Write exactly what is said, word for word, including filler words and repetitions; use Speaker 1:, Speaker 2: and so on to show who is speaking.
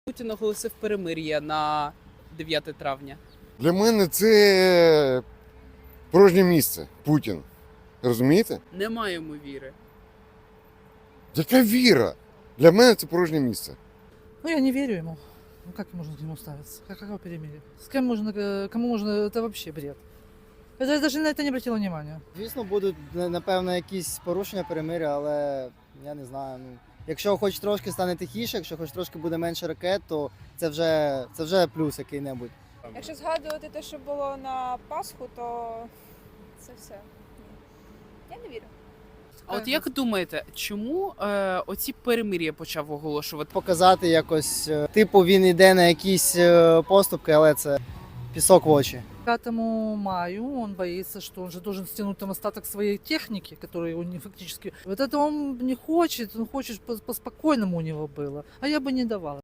Speaker 1: Путін оголосив перемир'я на дев'яте травня.
Speaker 2: Для мене це порожнє місце. Путін. Розумієте?
Speaker 1: Не маємо віри.
Speaker 2: Яка віра? Для мене це порожнє місце.
Speaker 3: Ну, я не верю ему. Ну, как можно к нему ставиться? Как, какое перемирие? С кем можно, э, кому можно, это вообще бред. Это, я даже на это не обратила внимания.
Speaker 4: Звісно, будуть напевно якісь порушення перемир'я, але я не знаю. Ну, якщо хоч трошки стане тихіше, якщо хоч трошки буде менше ракет, то це вже це вже плюс який-небудь.
Speaker 5: Якщо згадувати те, що було на Пасху, то це все. Ні. Я не вірю.
Speaker 1: А от як думаєте, чому е, оці перемир'я почав оголошувати?
Speaker 4: Показати якось, е, типу, він йде на якісь е, поступки, але це пісок в очі.
Speaker 3: пятому маю он боится, что он же должен стянуть там остаток своей техники, которую у него фактически... Вот это он не хочет, он хочет по- по-спокойному у него было. А я бы не давала.